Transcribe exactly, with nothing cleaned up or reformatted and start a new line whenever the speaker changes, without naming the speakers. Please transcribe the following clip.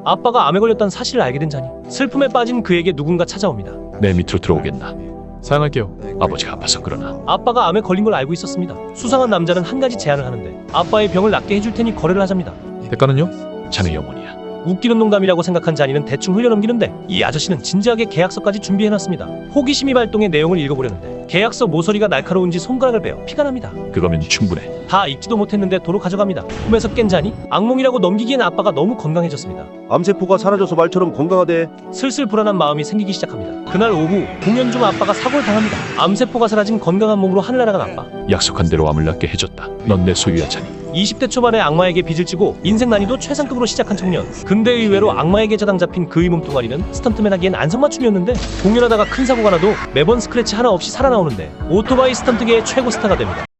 아빠가 암에 걸렸다는 사실을 알게 된 자니 슬픔에 빠진 그에게 누군가 찾아옵니다.
내 밑으로 들어오겠나?
사양할게요.
아버지가 아파서 그러나.
아빠가 암에 걸린 걸 알고 있었습니다. 수상한 남자는 한 가지 제안을 하는데 아빠의 병을 낫게 해줄 테니 거래를 하자입니다.
대가는요?
자네 영혼이야.
웃기는 농담이라고 생각한 자니는 대충 흘려넘기는데 이 아저씨는 진지하게 계약서까지 준비해놨습니다. 호기심이 발동해 내용을 읽어보려는데 계약서 모서리가 날카로운지 손가락을 베어 피가 납니다.
그거면 충분해.
다 읽지도 못했는데 도로 가져갑니다. 꿈에서 깬 자니 악몽이라고 넘기기엔 아빠가 너무 건강해졌습니다.
암세포가 사라져서 말처럼 건강하대.
슬슬 불안한 마음이 생기기 시작합니다. 그날 오후 공연 중 아빠가 사고를 당합니다. 암세포가 사라진 건강한 몸으로 하늘 날아간 아빠.
약속한 대로 암을 낫게 해줬다. 넌 내 소유야, 자니.
이십 대 초반에 악마에게 빚을 지고 인생 난이도 최상급으로 시작한 청년. 근데 의외로 악마에게 저당 잡힌 그의 몸뚱아리는 스턴트맨 하기엔 안성맞춤이었는데 공연하다가 큰 사고가 나도 매번 스크래치 하나 없이 살아나오는데 오토바이 스턴트계의 최고 스타가 됩니다.